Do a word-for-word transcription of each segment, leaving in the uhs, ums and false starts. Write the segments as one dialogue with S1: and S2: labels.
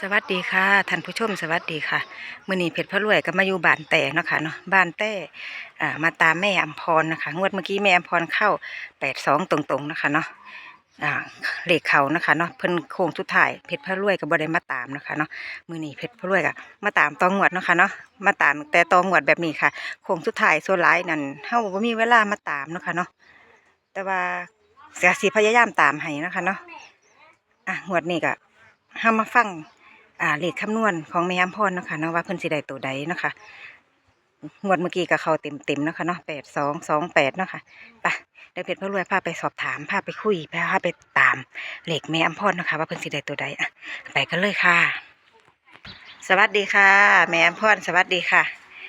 S1: สวัสดีค่ะท่านผู้ชมสวัสดีค่ะมื้อนี้เพชรพระรวยก็มาอยู่บ้านแต่เนาะค่ะเนาะบ้านแต่อ่ามาตามแม่อำพรนะคะงวดเมื่อกี้แม่อำพรเข้าแปดสองตรงๆนะคะเนาะอ่าเลขเขานะคะเนาะเพิ่นโค้งสุดท้ายเพชรพระรวยก็บ่ได้มาตามนะคะเนาะมื้อนี้เพชรพระรวยก็มาตามตองวดเนาะค่ะเนาะมาตามแต่ตองวดแบบนี้ค่ะโค้งสุดท้ายส่วนหลายนั่นเฮาบ่มีเวลามาตามเนาะค่ะเนาะแต่ว่าก็สิพยายามตามให้นะคะเนาะอ่ะงวดนี้ก็เฮามาฟัง อ่าเลขคำนวณของแม่อำพรเนาะค่ะเนาะว่าเพิ่นสิได้ตัวใดเนาะค่ะงวดเมื่อกี้ก็เข้าเต็มเต็มเนาะค่ะเนาะแปดสองสองแปดเนาะค่ะไปเดี๋ยวเพชรพระรวยพาไปสอบถามพาไปคุยพาไปตามเลขแม่อำพรเนาะค่ะว่าเพิ่นสิได้ตัวใดอ่ะไปกันเลยค่ะ สวัสดีค่ะแม่อำพรสวัสดีค่ะ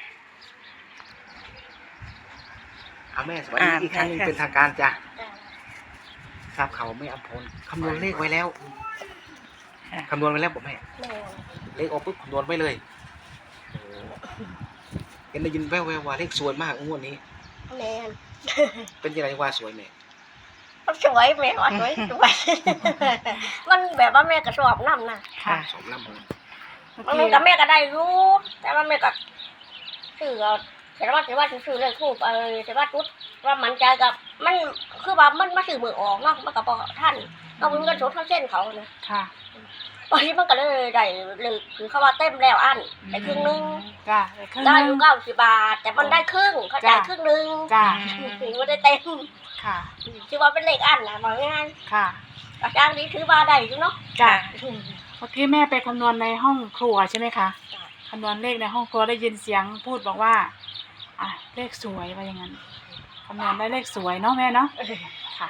S2: เอาแม่สวัสดีอีกครั้งหนึงเป็นทางการจ้ะทราบเขาวแม่อำพลคำนวณเลขไว้แล้วคำนวณไว้แล้วบอกแม่เลขออกปุ๊บคำนวณไว้เลยโอ้เห็นได้ยินแว่วๆว่าเลขสวยมากงวดนี้
S3: แม่น
S2: เป็นยังไงว่าสวยแม่
S3: มันสวยแม่ว่าสวยสวย มันแบบว่าแม่ก็ชอบน้ำนะ
S1: ค่ะ
S2: สมลำเลย
S3: มันกับแม่ก็ได้รู้แต่ว่าแม่ก็ซื้อเอาแต่ว่าแต่ว่าซื้อเลยถูกเออแต่ว่าจุดว่ามันใจกับมันคือว่ามันมาซื้อมือออกเนาะมันกับท่านเอาเงินสดเท่าเส้นเขานะ
S1: ค่ะ
S3: วันนี้มันก็เลยได้เลยคือเขาว่าเต็มแล้วอันได้ครึ่งนึง
S1: จ้า
S3: ได้อยู่เก้าสิบบาท แต่มันได้ครึ่งเขาจ่ายครึ่งนึง
S1: จ้า
S3: ถึงไม่ได้เต็ม
S1: ค่ะ
S3: ชื่อว่าเป็นเลขอันนะบอกง่าย
S1: ค่ะ
S3: ๆอาจารย์นี้ถือว่าได้อยู่เนาะ
S1: จ้า
S4: เมื่อกี้แม่ไปคำนวณในห้องครัวใช่ไหมคะคำนวณเลขในห้องครัวได้ยินเสียงพูดบอกว่าอ่ะเลขสวยว่าอย่างนั้นคำนวณได้เลขสวยเนาะแม่เนาะค่ะ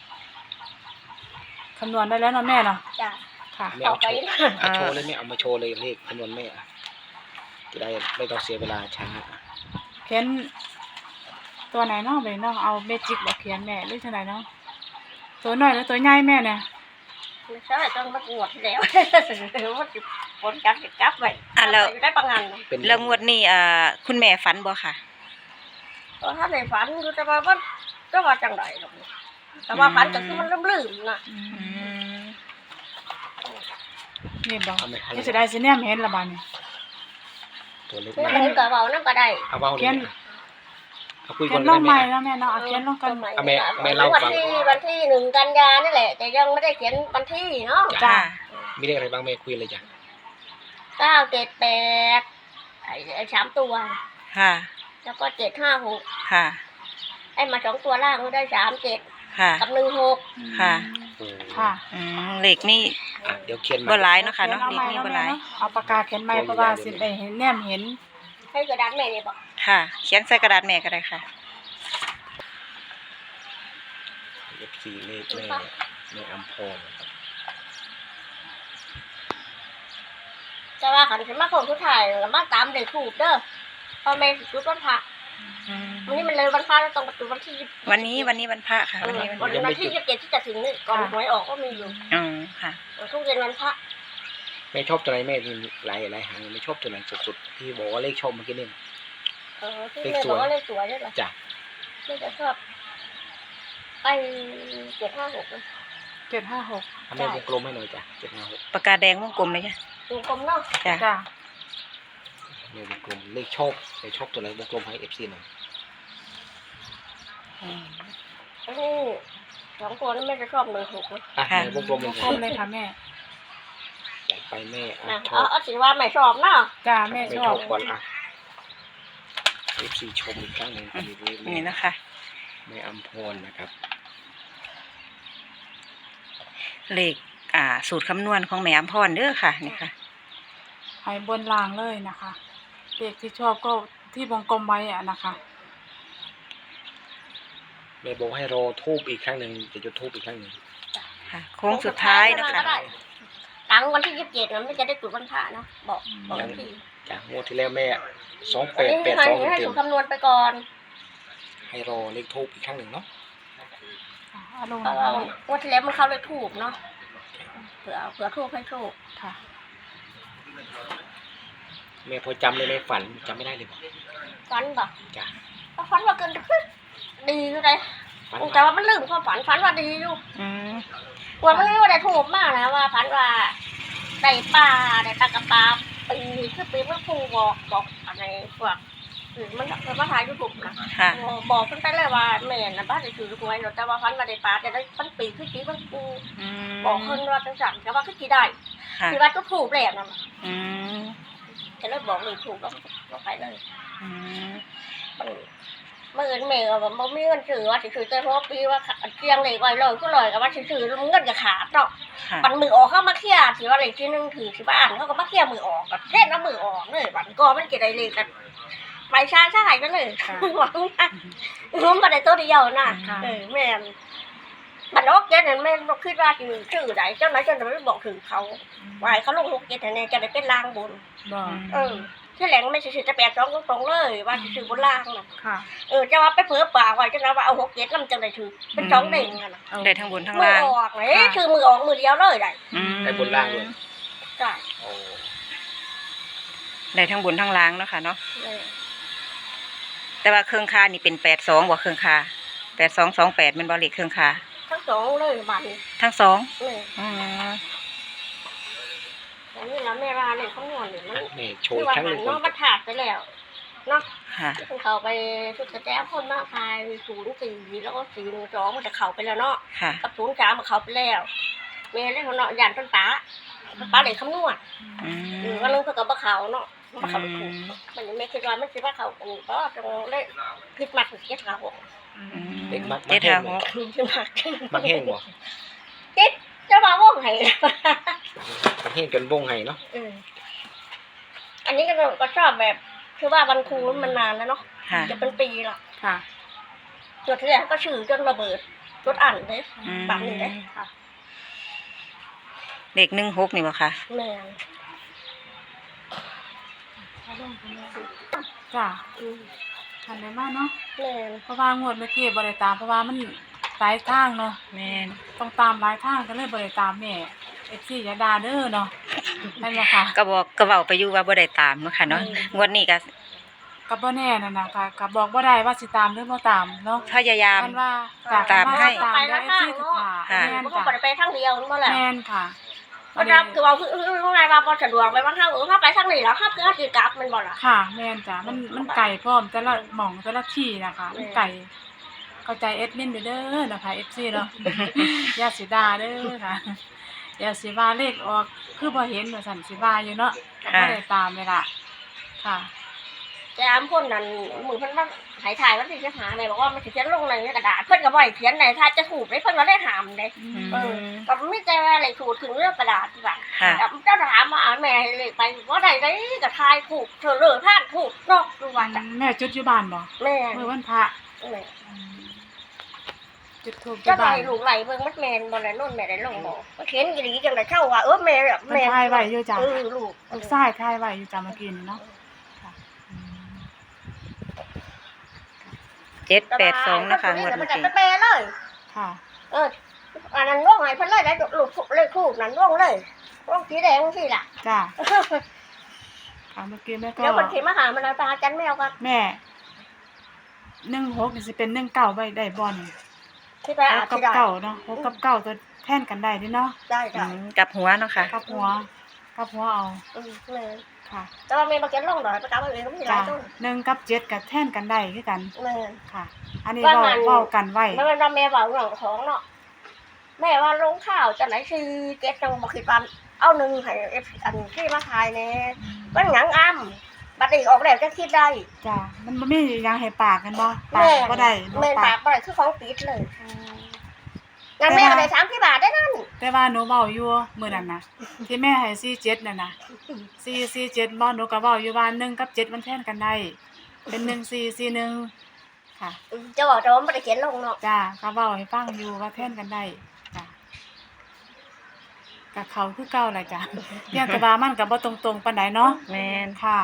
S4: คำนวณได้แล้วเนาะแม่เนาะ
S3: จ้ะ
S4: ค่ะ
S2: แม่เอาโชว์เอาโชว์เลยแม่เอามาโชว์เลยเลขคำนวณแม่อะจะได้ไม่ต้องเสียเวลาช้า
S4: เขียนตัวไหนเนาะไปเนาะเอาเมจิกบอกเขียนแม่หรือตัวไหนเนาะตัวน้อยหรือตัวใหญ่แม่เนี่ย
S3: ไม่ใช่ต้องมาปวดแล้วว่าจะผลการติดจับไว้
S1: อ่ะแล้ว
S3: ได้ปังงัน
S2: เป็น
S1: แล้วงวดนี้อ่าคุณแม่ฝันบ่ค่ะ
S3: ก็ถ้าในฝันคือจะมาว่าก็ว่าจังไรหรอกแต่ว่าฝันก็คือมันลืมๆนะ
S1: อืม
S4: นี่บอก
S2: เอาแม่เอา
S4: นี่จะได้สิเนี่ยเห็นละบาดนี่
S2: ตัวเล็ก
S3: คือ
S2: มาก
S3: เห็นกับเบานั่นก็ได้
S2: เอาเบาเลย
S4: เขียน
S2: แม่เอาคุย
S4: เขี
S2: กั
S4: ย
S2: น
S4: น
S2: เล
S4: ลง
S2: ย
S4: ใหม่
S2: แม่
S4: แล้วแม่เนาะเอาเขียนลงกัน
S2: เอาแม่แม่เล่า
S3: วัน
S2: ฟัง
S3: ที่วันที่หนึ่งกันยานี่แหละ แต่ยังไม่ได้เขียนวันที่เนาะ
S1: จ้า
S2: มีเลขอะไรบ้างแม่คุยเลยจ้ะ
S3: เก้าเจ็ดแปดไอ้ไอ้สามตัว
S1: ค่ะ
S3: แล้วก็เจ็ดห้าหก
S1: ค่ะ
S3: ไอ้มาสองตัวล่างก็ได้สามเจ็ด
S1: ค่ะ
S3: กับหนึ่งหก
S1: ค่ะ
S2: โอ้
S4: ค่ะ
S1: อืมเลขนี่
S2: อ่ะเดี๋ยวเขียนใหม่
S1: บ่หลายเนาะค่ะ
S4: เขียน
S1: เนาะ
S4: เอา
S1: เล
S4: ให
S1: ข
S4: ม่
S1: นี่
S4: เนาะ
S1: บ่ห
S4: แม่
S1: ลาย
S4: เนาะเอาปากกาเขียนใหม่เพราะว่าสิได้เห็นแนมเห็น
S3: ให้กระดานแม่เนี่ยบอก
S1: ค่ะ เขียนใส่กระดาษแม่ก็ได้ค่ะ
S2: เลขสี่เลขแม่แม่อัมพร
S3: จะว่าขันฉันมาโคงทุกถ่ายแล้วมาตามเด็กถูกเด้อพอแม่จุดวันพระ
S1: อืม
S3: วันนี้มันเลยวันพระแล้วต้องจุดวันที่ยี่สิบ
S1: วันนี้วันนี้วันพระค่ะ วันนี้วัน
S3: วัน
S1: พระ
S3: วันที่ยี่สิบเจ็ดที่จะถึงนี่ก่อนหวยออกก็มีอยู่
S1: อืมค่ะ
S3: ทุกเย็นวันพระ
S2: แม่ชอบตัวไหนแม่มีหลายหลายหางไม่ชอบตัวไหนสุดๆที่บอกว่าเลขชอบเมื่อกี้นี่
S3: เออที่แม่บอกว่าเลขสวยด้วยเหรอ
S2: จ้ะ
S3: แม่จะชอบไอ้เจ็ดห้าหก
S4: เจ็ดห้าหก
S2: ทำแม่วงกลมให้หน่อยจ้ะเจ็ดห้าหก
S1: ปากกาแดงวงกลมเลยจ้ะ
S3: ดูกลมเนาะ
S1: จ้ะ
S4: จ้า
S2: แม่วงกลมเลขชอบเลขชอบตัวไหนวงกลมให้เอฟซีหน่อย
S1: อืม
S3: อันนี้สองตัวนี้แม่จะชอบหนึ่งหกนะ
S2: อ่ะ
S1: ค่ะ
S2: แม่วงกลมเลย
S4: คมเลยค่ะแม่
S2: จัดไปแม่อ่ะ
S3: นะ
S2: ช
S3: เอา
S2: อบ
S3: เอาสีว่าไม่ชอบเนาะ
S4: จ้าแม่
S2: ไม่
S4: ช
S2: ช
S4: อ
S2: อ
S4: บบ
S2: ก่อนอ่ะเอฟซีชมอีกครั้งหนึ่งมีเลข
S1: นี่นะคะ
S2: แม่อัมพรนะครับ
S1: เลขอ่า สูตรคำนวณของแม่อำพรเด้อค่ะนี่ค่ะ
S4: ให้บนล่างเลยนะคะเลขที่ชอบก็ที่วงกลมไว้อะนะคะ
S2: แม่บอกให้รอทูบอีกครั้งหนึ่งจะจุดทูบอีกครั้งหนึ่ง
S1: ค่ะ โค้งสุดท้ายนะคะ
S3: หลังวันที่ยี่สิบเจ็ดมันไม่จะได้จุดวันพระเนาะบอกบอกวันที่
S2: จากงวดที่แล้วแม่สองแป
S3: อัน
S2: ด
S3: นี้
S2: แปด
S3: ให้
S2: สอง
S3: ให้
S2: เต็
S3: สู
S2: ม
S3: ตรคำนวณไปก่อน
S2: ๆให้รอเลขทูบอีกครั้งหนึ่งเนาะ
S4: เอาลง
S3: เพราะว่าวันที่แล้วมันเข้าเลยถูกเนาะเผื่อเผื่อถูกให้ถูก
S4: ค่ะ
S2: แม่พอจำเลยแม่ฝันจำไม่ได้เลยบอก
S3: ฝันบอก
S2: จ้ะ
S3: ก็ฝันว่าเกินขึ้นดีอยู่เลย
S2: ฝัน
S3: แต่
S2: ว่า
S3: ว่ามันลืมความฝันฝันว่าดีอยู่
S1: อืม
S3: วันนี้ว่าได้ถูกมากนะว่าฝันว่าได้ปลาได้ปลากระปาปีคือปีเมื่อครูบอกบอกอะไรพวกอือมันมันมาถ่ายยูทูบนะ
S1: ค่ะ
S3: บอกเพิ่นไปเลยว่าแม่น่ะบ้านได้ถือหวยแต่ว่าพันมาได้ปลาแต่ได้พันปีคือปีมันครู
S1: อืม
S3: บอกเพิ่นว่าจังซั่นแต่ว่าคือสิได้
S1: ค่ะ
S3: คือว่าก็ถูกแล้วนั่น
S1: อืม
S3: ก็เลยบอกเลยถูกแล้วก็ไปเลย
S1: อืม
S3: มันเมื่อเงินแม่ก็บ่มีเงินซื้อว่าสิซื้อแต่เพราะปีว่าเสียงเลขไว้เลยก็เลยก็ว่าสิซื้อแล้วเงินก็ขาดเนาะ
S1: ค่ะ
S3: ปันมือออกเข้ามาเคลียร์สิว่าเลขที่หนึ่งถือสิว่าอ่านเขาก็มาเคลียร์มือออกกับเทศแล้วมือออกเลยบันก็มันจะได้เลขกันไปช้าช้าๆกันเลยหวังนะรู้มาได้ตัวเดียวนะเออแม่นบันออกเจ็ดนั่นแม่นคิดว่าสิชื่อใดเจ้าไหนเจ้าไหนไม่บอกถึงเขาว่าให้เขาลงหกเจ็ดแน่ๆจะได้เป็นลางบน
S4: บ่
S3: เออที่แหลงไม่ใช่สิจะแปดสองตรงๆเลยว่าสิซื้อบนล่างน่ะ
S4: ค่ะ
S3: เออจะว่าไปเผือป่าไว้จะว่าเอาหกเจ็ดแล้วมันจะได้ถือเป็นสองเด้งกันน่ะ
S4: เอา
S1: ได้ทั้งบนทั้ง
S3: มือ
S1: ล่าง
S3: ออกเลยคือมือออกมือเดียวเลยได้
S1: อืม
S2: ได้บนล่างเลย
S3: ใช่
S2: โอ้
S1: ได้ทั้งบนทั้งล่างเนาะค่ะเนาะ
S3: เออ
S1: แต่ว่าเครื่องคานี่เป็นแปดสองบ่เครื่องคาแปดสองสองแปดเป็นบริเครื่องคา
S3: ทั้งสองเลยบัดน
S1: ทั้งสอง
S3: เออ
S1: อืม
S3: แต่นี่นะแม่ว่าเนี่ยเขานอนเนี่ยมัน
S2: นี่โช
S3: คื
S2: ว์
S3: อว่า
S2: ครั้งห
S3: หั
S2: นึ่
S3: น
S2: ง
S3: เนาะมันถาดไปแล้วเนาะ
S1: ค่ะ
S3: ที่เขาไปชุดกระแจพ่นมากพายศูนย์สี่แล้วก็สี่หนึ่งสองมันจะเข้าไปแล้วเนาะ
S1: ค่ะ
S3: กับศูนย์สามมันเข้าไปแล้วแม่เล่นเขาเนาะยันต้นตาต้นตาเลยคำนวณ
S1: อืม
S3: อืมก็นึกเพื่อกับว่าเขาเนาะว่าเขาถูก
S1: อืม
S3: มันยังไม่คิดว่ามันคิดว่าเขาถูกก็ตรงเล่คิดมากถึงเจ็ดขาหก
S1: อืม
S2: เด็กมัก
S1: เจ็ดห้าหก
S3: คิดมาก
S2: มักแห้งบ่
S3: เจ็ดจะมาว่องไห้
S2: มักแห้งจนวงไห้เนาะ
S3: อืมอันนี้ก็ก็ชอบแบบ คือว่าวันครูมันนานแล้วเนาะ
S1: ค่ะ
S3: จะเป็นปีละ
S4: ค่ะ
S3: จดที่แรกก็ชื่อจนระเบิดจดอ่านเลย
S1: อืม
S3: ปากนี่เลย
S4: ค่ะ
S1: เด็กหนึ่งหกนี่บ่ค่ะ
S3: แม่น
S4: จ้ะ
S3: อืม
S4: ทันได้มากเนาะ
S3: แม่น
S4: เพราะว่างวดเมื่อกี้บ่ได้ตามเพราะว่ามันหลายทางเนาะ
S1: แม่น
S4: ต้องตามหลายทางก็เลยบ่ได้ตามแม่ เอฟ ซี อย่าด่าเด้อเนาะนั่นแหละค่ะ
S1: ก็บอกก็เว้าไปอยู่ว่าบ่ได้ตามเนาะค่ะเนาะงวดนี้ก็
S4: ก็บ่แน่นั่นน่ะค่ะก็บอกบ่ได้ว่าสิตามหรือบ่ตามเนาะ
S1: พยายาม
S4: มันว่า
S1: ตามให้
S4: ตาม
S3: ไป
S4: แล้
S3: แล้ว ว
S4: เอฟ
S3: ข้าง
S4: ซีทุก
S3: เนาะ
S4: ขา
S1: ค่ะ
S4: แม่น
S3: มันก็
S4: จ้ะ
S3: บ่ได้ไปทางเดียวนั่นแหละ
S4: แม่นค่ะ
S3: เพราะรับคือว่าคือคือไงว่าพอสะดวกไปบางครั้งเออถ้าไปทางนี้แล้วถ้าคือคือกลับมันบ่ล่ะ
S4: ค่ะแม่นจ้ะมันมันไก่พร้อมแต่ละหม่องแต่ละที่นะคะมันไก่เข้าใจเอดมินเด้อนะคะ เอฟ ซี เนาะ อย่าสิด่าเด้อค่ะอย่าสิว่าเลขออกคือบ่เห็นว่าซั่นสิว่าอยู่เนาะก็บ่ได้ตามเลยล่ะค่ะ
S3: แต่อามคนนั้นมือเพิ่นว่าหายถ่ายวันที่จะหาแม่บอกว่ามันสิเขียนลงในกระดาษเพิ่นก็บ่ให้เขียนไหนถ้าจะถูกได้เพิ่นก็ได้หามเด้
S4: อืม
S3: เออก็ไม่ใจว่าอะไรถูกถึงเรื่องกระดาษดีกว่า
S1: ค่ะ
S3: แต่เจ้าถามมาอ่านแม่ให้เลยไปว่าใดได้กับทายถูกเธอเลือพลาดถูกเนอกดูว่าจ้ะ
S4: แม่จุดอยู่บ้านบ่
S3: แม่
S4: มื้อวันพระ
S3: แม่
S4: อืมจุดทูบอ
S3: เจ้า
S4: ยู่
S3: ไหล
S4: บ้าน
S3: ลูกไหลเบิ่งมัดแมนบ่ได้นู่นแม่ได้ลงบ่มาเขียนกี่ดีจังได๋เข้าว่าเออแม่แบบ
S4: มัน
S3: แม่
S4: ถ่ายไว้อยู่จ้ะ
S3: เออลูก
S4: ลูกชายถ่ายไว้อยู่จ้ะเมื่อกี้นี่เนาะค่ะอืม
S1: เจ็ดแปดสองนะคะงวด
S3: มั
S1: เมื่
S3: น
S1: อ
S3: จะ
S1: กี้
S3: ไปแปลเลย
S4: ค่ะ
S3: เอออันนั้นร่วงให้เพิ่นเลยได้ลูกเลขถูกนั้นร่วงเลยร่วงสีแดงสิล่ะ
S4: จ้ะค่ะเมื่อกี้แม่ก็
S3: เดี๋ยวคนเขียนมาหามันเอาตาจันแมวกัน
S4: แม่หนึ่งหกนี่สิเป็นหนึ่งเก้าไว้ได้บ่นี่
S3: ที่ไป
S4: ห
S3: อ่าก น
S4: กับ
S3: ที่ได้
S4: เก้าเนาะหกกับเก้าตัวแทนกันได้เด้เนาะ
S3: ได้
S1: อื
S3: ได้
S1: มกลับหัวเนาะค่ะ
S4: กับหัวกับหัวเอา
S3: อืมแม่
S4: ค่ะ
S3: แต่ว่าแม่มาเขียนลงหน่อยประกาศว่าเองก็มีหลา
S4: จ้ะ
S3: ยต้น
S4: หนึ่งกับเจ็ดกับแท่นกันได้คือกัน
S3: แม่
S4: ค่ะ อันนี้
S3: ว่า
S4: เว้า
S3: มัน
S4: เว้ากันไว้
S3: แล้วมันว่าแม่บอกหลังของเนาะแม่ว่าลงข้าวจะไหนคือเก็ตจังบอกคิดว่าเอาหนึ่งให้เอฟอันที่มาทายเนี่ยมันหยังอ้ำบัดนี้ออกแล้วจะคิดได้
S4: จ้ะมันบ่มีหยังให้ปากกันบ่ปา
S3: แม่
S4: กบ่ได้บ่
S3: แม่
S4: ปา
S3: ปาก กบ่ได้คือของปิดเลยงั้นแม่ก็ได้สามที่บาทได้นั่น
S4: แต่ว่าหนูเว้าอยู่มื้อนั้นน่ะ ที่แม่ให้สี่เจ็ดนั่นน่ะสี่ สี่เจ็ดบ่หนูก็เว้าอยู่ว่าหนึ่งกับเจ็ดมันแทนกันได้ เป็นหนึ่งสี่ สี่หนึ่งค่ะ
S3: จะบอกจะว่าไม่ได้เขียนลงเนาะ
S4: จ้าก็เว้าให้ฟังอยู่ว่าแทนกันได้จ้ะกับเขาคือเก่าแหละจ้ะ เพียงแต่ว่ามันก็บ่ตรงๆปานใดเนาะ
S1: แม่น
S4: ค่ะ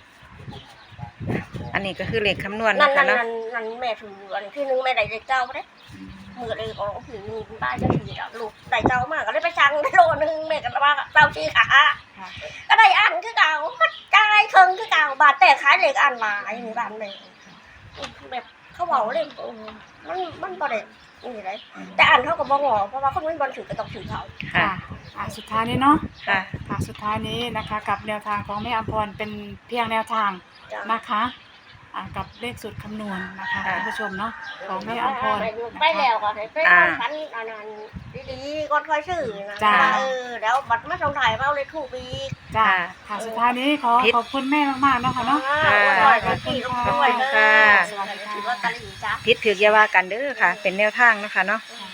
S1: อันนี้ก็คือเลขคำนวณ
S3: นั่
S1: นะ
S3: น
S1: คะ
S3: นั่น
S1: เนาะ
S3: นั่นนั่นแม่ถืออันที่หนึงแม่ได้เลขเก้าบ่ได้มือเลยออกถือบ้านจะถือดอกลูกได้เก้ามากก็เลยไปสั่งได้โลนึงแม่ก็ว่าเก้าชี้ขา
S4: ค่ะ
S3: ก็ได้อันคือเก่าก็จ่ายครึ่งคือเก่าบาทแต่ขายเลขอันหลายนี่บ้านแม่แบบเขาเว้าเลยมันมันบ่ได้นี่เลยแต่อันเขาก็บ่งอเพราะว่าคนไม่บอลถือก็ต้องถือเขา
S1: ค่ะ
S4: ค่ะอ่าสุดท้ายนี้เนาะ
S1: ค่ะ
S4: ค่ะสุดท้ายนี้นะคะกับแนวทางของแม่อภรเป็นเพียงแนวทาง
S3: จ้ะ
S4: นะคะอ่ากับเลขสูตรคำนวณนะคะ
S1: ค่ะ
S4: ท่านผู้ชมเนาะของแม่อภร
S3: ไปแล้วก็ให้ไป
S1: อ่า
S3: คันอันนั้นดีๆก่อนค่อยซื้อนะ
S4: จ้ะ
S3: ว่าเออแล้วบัตรมาส่งถ่ายมาเอาเลยถูกอีก
S4: จ้า
S1: ค่ะ
S4: ค่ะสุดท้ายนี้ขอ
S1: พิษ
S4: ขอบคุณแม่มากๆเนาะค่ะเนาะ
S3: อ่าอวยพรให้พี่ลูกด้วยเด้อ
S1: ค่ะ
S3: สวัสดีค่ะถือว่าตะลิ่งจ้ะ
S1: พิษถืออยาว่ากันเด้อค่ะ เป็นแนวทางเนาะคะเนาะ
S3: อืม